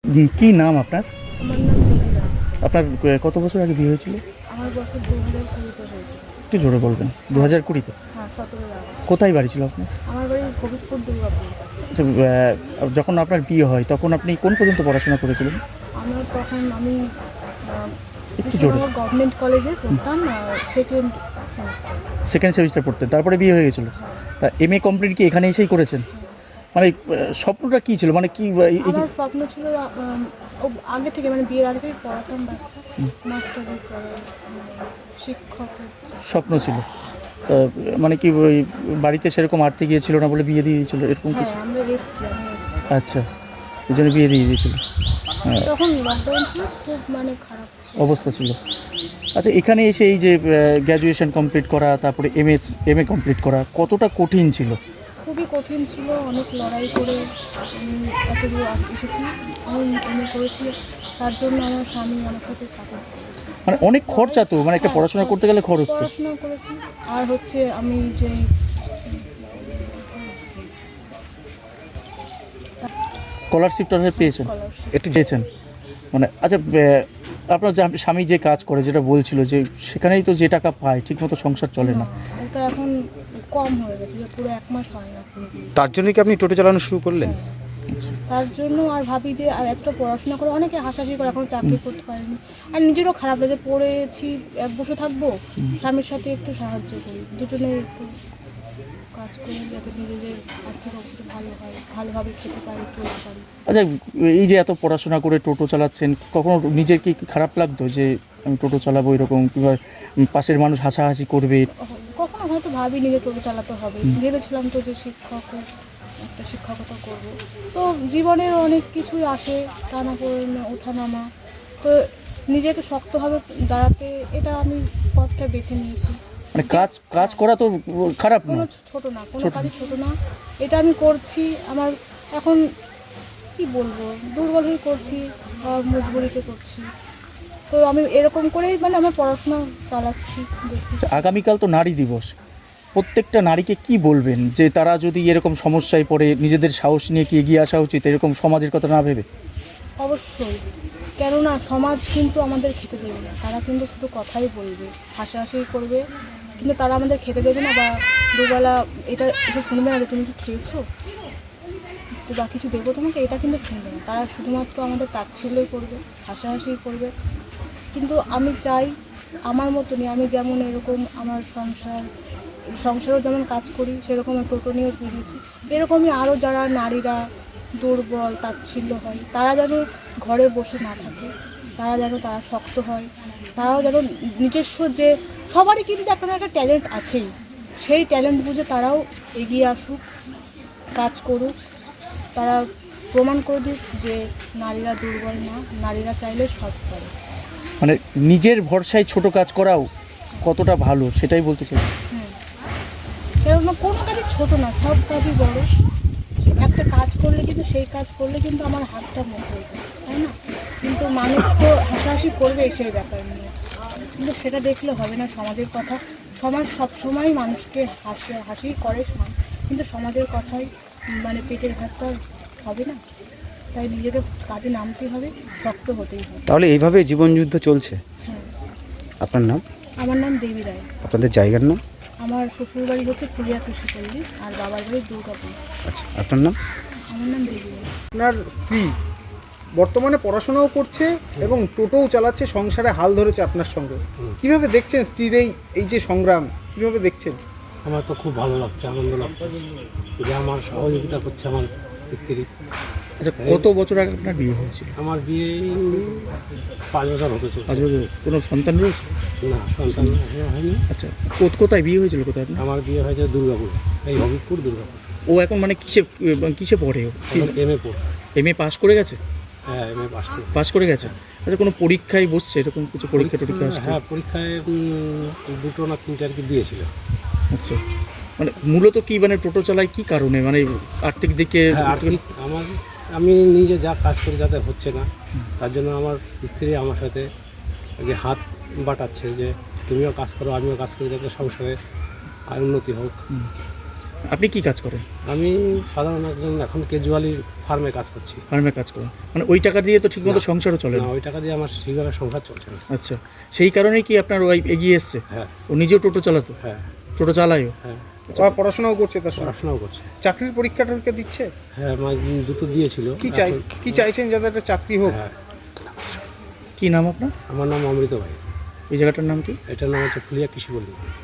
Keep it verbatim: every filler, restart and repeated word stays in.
কি নাম আপনার? আমার নাম দেবিকা। আপনার কত বছর আগে বিয়ে হয়েছিল? আমার বছর দু হাজার কুড়িতে হয়েছিল। একটু জোরে বলবেন। দু হাজার কুড়িতে? হ্যাঁ, সতেরোই আগস্ট। কোথায় বাড়ি ছিল আপনার? আমার বাড়ি হবিবপুর, দুর্গাপুর। আচ্ছা, যখন আপনার বিয়ে হয় তখন আপনি কোন পর্যন্ত পড়াশোনা করেছিলেন? আমার তখন আমি একটু জোরে। গভর্নমেন্ট কলেজে পড়তাম, সেকেন্ড সেমিস্টার। সেকেন্ড সেমিস্টার পড়তেন, তারপরে বিয়ে হয়ে গেছিলো? তা এম এ কমপ্লিট কি এখানে এসেই করেছেন? মানে স্বপ্নটা কী ছিল, মানে কি? আমার স্বপ্ন ছিল আগে থেকে, মানে বিয়ের আগে থেকে পড়াতাম বাচ্চা, মাস্টারি করার শিক্ষক স্বপ্ন ছিল। মানে কি ওই বাড়িতে সেরকম আর্থিক ইয়ে ছিল না বলে বিয়ে দিয়ে দিয়েছিল এরকম কিছু? হ্যাঁ, আমরা এসছি, আমি এসছি। আচ্ছা, এই জন্য বিয়ে দিয়ে দিয়েছিল। তখন লকডাউন ছিল, খুব মানে খারাপ অবস্থা ছিল। আচ্ছা, এখানে এসে এই যে গ্র্যাজুয়েশন কমপ্লিট করা, তারপরে M S M A complete করা কতটা কঠিন ছিল? খুবই কঠিন ছিল, অনেক লড়াই করে আমি এত দূর এসেছি। আমি এম এ করেছি, তার জন্য আমার স্বামী আমার সাথে সাপোর্ট করেছে। মানে অনেক খরচা তো, মানে একটা হ্যাঁ, পড়াশোনা করতে গেলে খরচ তো। পড়াশোনা করেছি। আর হচ্ছে আমি যে স্কলারশিপটা পেয়েছেন? স্কলারশিপ একটু পেয়েছেন মানে। আচ্ছা, আপনার যে স্বামী যে কাজ করে, যেটা বলছিল যে সেখানেই তো যে টাকা পায় ঠিকমতো সংসার চলে না। ওটা এখন কম হয়ে গেছে, যে পুরো এক মাস হয় না। তার জন্য কি আপনি টোটো চালানো শুরু করলেন? তার জন্য আর ভাবি যে আর এতটা পড়াশোনা করে, অনেকে হাসাহাসি করে এখন চাকরি করতে পারেনি, আর নিজেরও খারাপ লাগে, পড়েছি এক বসে থাকবো, স্বামীর সাথে একটু সাহায্য করি, দুজনে একটু কাজ করি যাতে নিজেদের আর্থিক অবস্থা ভালো হয়, ভালোভাবে খেতে পারি, চলতে পারি। আচ্ছা, এই যে এত পড়াশোনা করে টোটো চালাচ্ছেন, কখনো নিজের কি খারাপ লাগতো যে আমি টোটো চালাবো এরকম, কিংবা পাশের মানুষ হাসাহাসি করবে? কখনো হয়তো ভাবি নিজে টোটো চালাতে হবে, ভেবেছিলাম তো যে শিক্ষকের একটা শিক্ষকতা করব। তো জীবনের অনেক কিছুই আসে, টানা পড়ে ওঠানামা, তো নিজেকে শক্তভাবে দাঁড়াতে এটা আমি পথটা বেছে নিয়েছি। মানে কাজ কাজ করা তো খারাপ না, কোনো ছোট না, কোনো কাজই ছোট না। এটা আমি করছি, আমার এখন কি বলবো, দুর্বল হয়ে করছি আর মজবুরিতে করছি। তো আমি এরকম করেই মানে আমার পড়াশোনা চালাচ্ছি। আগামীকাল তো নারী দিবস, প্রত্যেকটা নারীকে কি বলবেন যে তারা যদি এরকম সমস্যায় পড়ে নিজেদের সাহস নিয়ে কি এগিয়ে আসা উচিত, এরকম সমাজের কথা না ভেবে? অবশ্যই, কেননা সমাজ কিন্তু আমাদের খেতে দেবে না, তারা কিন্তু শুধু কথাই বলবে, হাসাহাসি করবে, কিন্তু তারা আমাদের খেতে দেবে না, বা দুবেলা এটা এসে শুনবে না যে তুমি কি খেয়েছো বা কিছু দেবো তোমাকে, এটা কিন্তু শুনবে না। তারা শুধুমাত্র আমাদের তাচ্ছিল্যই করবে, হাসাহাসি করবে। কিন্তু আমি চাই আমার মতনই, আমি যেমন এরকম আমার সংসার সংসারও যেমন কাজ করি, সেরকম টোটো নিয়েও বেরিয়েছি, এরকমই আরও যারা নারীরা দুর্বল, তাচ্ছিল্য হয়, তারা যেন ঘরে বসে না থাকে, তারা যেন তারা শক্ত হয়, তারাও যেন নিজস্ব যে সবারই কিন্তু একটা না একটা ট্যালেন্ট আছেই, সেই ট্যালেন্ট বুঝে তারাও এগিয়ে আসুক, কাজ করুক, তারা প্রমাণ করে দিক যে নারীরা দুর্বল না, নারীরা চাইলে সব পারে। মানে নিজের ভরসায় ছোট কাজ করাও কতটা ভালো সেটাই বলতে চাই। হ্যাঁ, কেননা কোনো কাজই ছোট না, সব কাজই বড়। একটা কাজ করলে কিন্তু সেই কাজ করলে কিন্তু আমার হাতটা মোটা হয়ে যায়, তাই না? কিন্তু মানুষ তো হাসাহাসি করবে সেই ব্যাপার নিয়ে, কিন্তু সেটা দেখলে হবে না। সমাজের কথা, সমাজ সবসময় মানুষকে হাসি হাসি করে, কিন্তু সমাজের কথাই মানে পেটের ভাতটা হবে না, তাই নিজেকে কাজে নামতেই হবে, শক্ত হতেই হবে। তাহলে এইভাবে জীবনযুদ্ধ চলছে? হ্যাঁ। আপনার নাম? আমার নাম দেবী রায়। আপনাদের জায়গার নাম? আমার শ্বশুর বাড়ি হচ্ছে ফুলিয়া কৃষিপল্লী, আর বাবার বাড়ি দুর্গাপুর। আচ্ছা, আপনার নাম? আমার নাম দেবী রায়। আপনার স্ত্রী বর্তমানে পড়াশোনাও করছে এবং টোটোও চালাচ্ছে, সংসারে হাল ধরেছে আপনার সঙ্গে। কিভাবে দেখছেন স্ত্রীর এই এই যে সংগ্রাম, কিভাবে দেখছেন? আমার তো খুব ভালো লাগছে, আনন্দ লাগছে যে আমার সহযোগিতা করছে আমার স্ত্রী। আচ্ছা, কত বছর আগে আপনার বিয়ে হয়েছিল? আমার বিয়ে পাঁচ বছর হতে চলছে। পাঁচ বছর। কোনো সন্তান রয়েছে? না, সন্তান হয়নি। আচ্ছা, কোথায় বিয়ে হয়েছিল, কোথায় আপনার? আমার বিয়ে হয়েছে দুর্গাপুর, এই হবিবপুর, দুর্গাপুর। ও এখন মানে কিসে কিসে পড়ে? ও এম এ পড়ছে। এম এ পাস করে গেছে? হ্যাঁ, এম এ পাস করে পাস করে গেছে। আচ্ছা, কোনো পরীক্ষায় বসছে এরকম কিছু? পরীক্ষা টরীক্ষা আসছে? হ্যাঁ, পরীক্ষায় দুটো না তিনটে আর কি দিয়েছিল। আচ্ছা, মানে মূলত কি মানে টোটো চালায় কি কারণে, মানে আর্থিক দিকে? হ্যাঁ, আর্থিক আমার আমি নিজে যা কাজ করি যাতে হচ্ছে না, তার জন্য আমার স্ত্রী আমার সাথে যে হাত বাটাচ্ছে যে তুমিও কাজ করো, আমিও কাজ করি, যাতে সংসারে আর উন্নতি হোক। আপনি কি কাজ করেন? আমি সাধারণ একজন এখন কেজুয়ালি ফার্মে কাজ করছি। ফার্মে কাজ করেন, মানে ওই টাকা দিয়ে তো ঠিকমতো না। সংসারও চলে না, না। ওই টাকা দিয়ে আমার সেইভাবে সংসার চলছে না। আচ্ছা, সেই কারণেই কি আপনার ওয়াইফ এগিয়ে এসছে? হ্যাঁ ও নিজেও টোটো চালাতো? হ্যাঁ টোটো চালায়ও? হ্যাঁ, আবার পড়াশোনাও করছে তার সঙ্গে, পড়াশোনাও করছে। চাকরির পরীক্ষা টরীক্ষা দিচ্ছে। হ্যাঁ, আমার দুটো দিয়েছিল। কি চাই এখন- কি চাইছেন যাতে একটা চাকরি হোক? হ্যাঁ, কি নাম আপনার? আমার নাম অমৃত ভাই। এই জায়গাটার নাম কি? এটার নাম হচ্ছে ফুলিয়া কৃষি পল্লী।